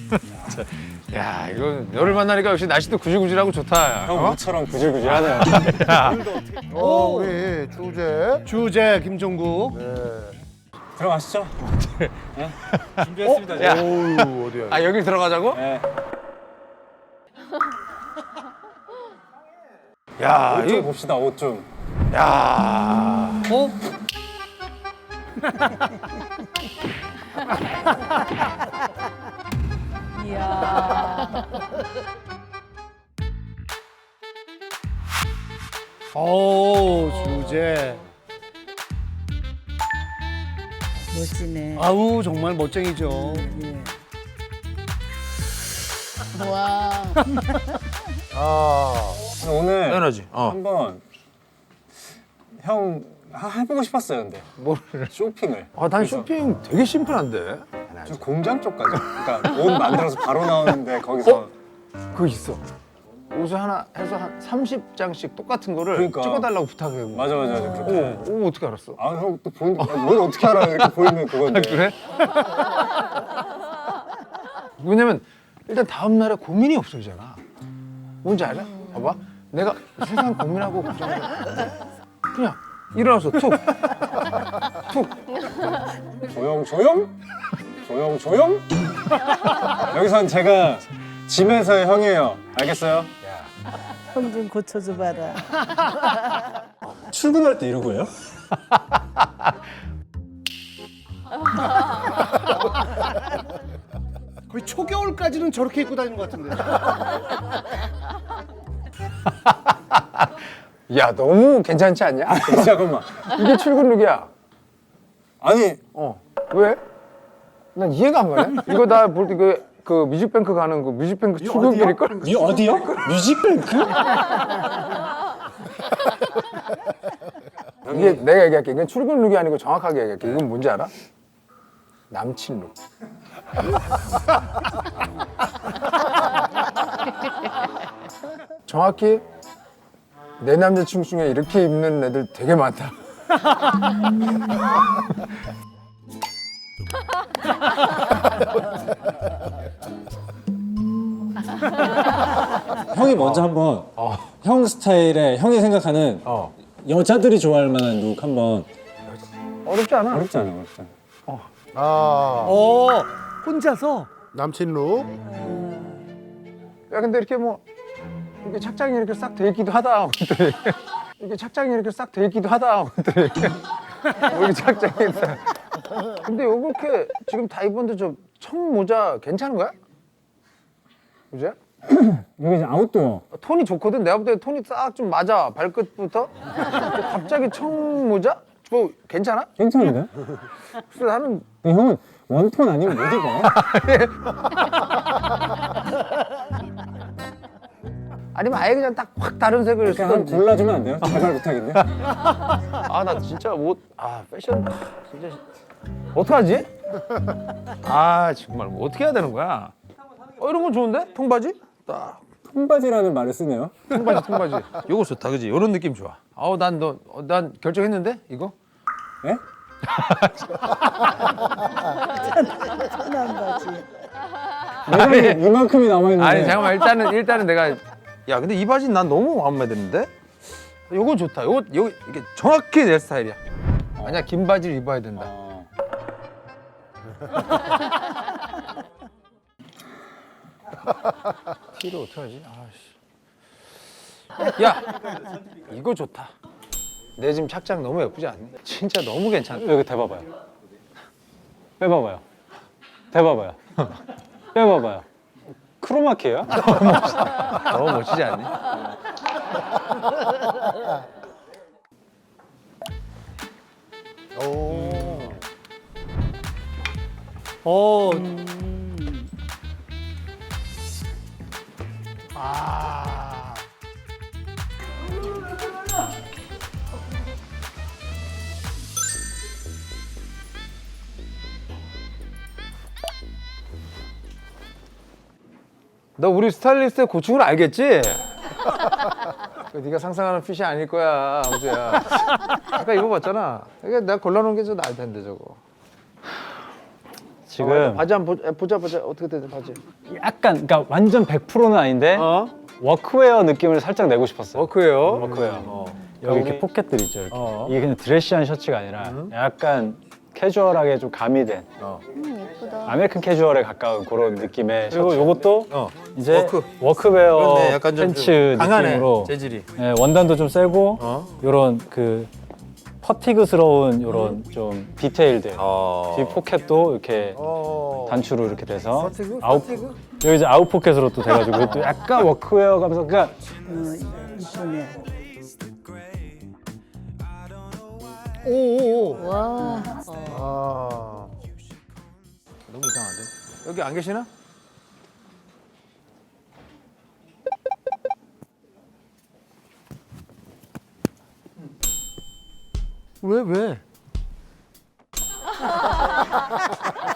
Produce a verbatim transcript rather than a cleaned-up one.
야, 이거 너를 만나니까 역시 날씨도 구질구질하고 좋다. 형 모처럼 구질구질하네요. 어, 우리 주제. 주제 김종국. 네. 들어가시죠. 네. 준비했습니다. 야. 어우, 어디야. 아, 여기 들어가자고? 네. 야, 옷 좀 이거, 봅시다. 옷 좀. 야. 어? 이야. 오, 주제. 멋지네. 아우, 정말 멋쟁이죠. 예. 와. 아, 오늘 당연하지. 어. 한번 형 하- 해보고 싶었어요. 근데 뭐를? 쇼핑을. 아, 난 쇼핑 되게 심플한데. 저 공장 쪽까지. 그러니까 옷 만들어서 바로 나오는데 거기서 어? 그거 있어. 옷을 하나 해서 한 삼십 장씩 똑같은 거를 그러니까. 찍어달라고 부탁해. 맞아 맞아 맞아 그렇게. 오, 오, 어떻게 알았어? 아 형 또 보는 뭘 어떻게 알아? 이렇게 보이면 그건데. 그래? 왜냐면 일단 다음 날에 고민이 없어지잖아. 뭔지 알아? 봐봐. 내가 세상 고민하고 걱정하고 그냥 일어나서 툭, 툭. 조용 조용 조용 조용. 여기선 제가 짐에서의 형이에요. 알겠어요? 형 좀 고쳐줘 봐라. 출근할 때 이러고 해요? 거의 초겨울까지는 저렇게 입고 다니는 것 같은데. 야, 너무 괜찮지 않냐? 잠깐만. 이게 출근룩이야. 아니 어. 왜? 난 이해가 안 가네. 이거 나 볼 때 그 그 뮤직뱅크 가는 그 뮤직뱅크 출근길일걸? 이 어디요? 뮤직뱅크? 이게 내가 얘기할게. 이건 출근룩이 아니고 정확하게 얘기할게. 이건 뭔지 알아? 남친룩. 정확히 내 남자친구 중에 이렇게 입는 애들 되게 많다. 형이 먼저 한번 형 스타일의 형이 생각하는 어. 여자들이 좋아할 만한 룩 한번. 어렵지 않아. 어렵지 않아 어렵지 않아. 아, 어, 혼자서? 남친 룩. 야, 근데 이렇게 뭐 이렇게 착장이 이렇게 싹 돼 있기도 하다. 그랬더니 이렇게 착장이 이렇게 싹 돼 있기도 하다. 그랬더니 뭐 이렇게 착장이 있다. 근데 요렇게 지금 다 입었는데 저 청모자 괜찮은 거야? 그지? 이게 이제 아웃도어. 톤이 좋거든. 내가 볼 때 톤이 싹 좀 맞아. 발끝부터. 근데 갑자기 청모자? 뭐 괜찮아? 괜찮은데? 그래서 나는 근데 형은 원톤 아니면 못 입어. 아니면 아예 그냥 딱 확 다른 색을 그냥 한 쓰던지. 골라주면 안 돼요? 제발 부탁인데. 아, 나 진짜 옷, 아, 패션, 진짜. 어떡하지? 아, 정말 뭐 어떻게 해야 되는 거야? 어, 이런 건 좋은데? 통바지? 딱. 통바지라는 말을 쓰네요. 통바지, 통바지. 요거 좋다, 그지? 이런 느낌 좋아. 아우, 난 너, 어, 난 결정했는데? 이거? 예? 편한 바지. 내가 이만큼이 남아있는데. 아니, 잠깐만. 일단은, 일단은 내가. 야, 근데 이 바지는 난 너무 마음에 드는데? 요거 좋다. 요거, 요거, 이게 정확히 내 스타일이야. 아니야, 긴 바지를 입어야 된다. 어. 티를 어떡하지? 아씨. 야, 이거 좋다. 내 지금 착장 너무 예쁘지 않니? 진짜 너무 괜찮다. 여기 대봐봐요. 빼봐봐요. 대봐봐요. 빼봐봐요. 크로마키예요? 너무 멋지지 않니? 오. 어, 아. 너 우리 스타일리스트의 고충을 알겠지? 그 네가 상상하는 핏이 아닐 거야, 아무튼. 아까 입어봤잖아. 이게 내가 골라놓은 게 좀 나을 텐데 저거. 지금 바지 한번 보- 보자 보자 어떻게 되지 바지. 약간 그러니까 완전 백 퍼센트는 아닌데 어? 워크웨어 느낌을 살짝 내고 싶었어요. 워크웨어. 워크웨어. 어. 여기 우리- 이렇게 포켓들 있죠. 이렇게. 어. 이게 그냥 드레시한 셔츠가 아니라 약간 캐주얼하게 좀 가미된 어. 음, 예쁘다. 아메리칸 캐주얼에 가까운 그런 느낌의 그리고 요것도 어. 이제 워크. 워크웨어 그렇네. 약간 좀 팬츠 강하네, 느낌으로 재질이. 예, 원단도 좀 세고 어? 요런 그 퍼티그스러운 요런 좀 디테일들 어. 뒷 포켓도 이렇게 어. 단추로 이렇게 돼서 퍼티그? 아웃 퍼티그? 여기 이제 아웃 포켓으로 또 돼가지고 또 약간 워크웨어 가면서 그러니까 어, 이쁘네. 오오오. 와. 아. 너무 이상한데? 여기 안 계시나? 왜 왜?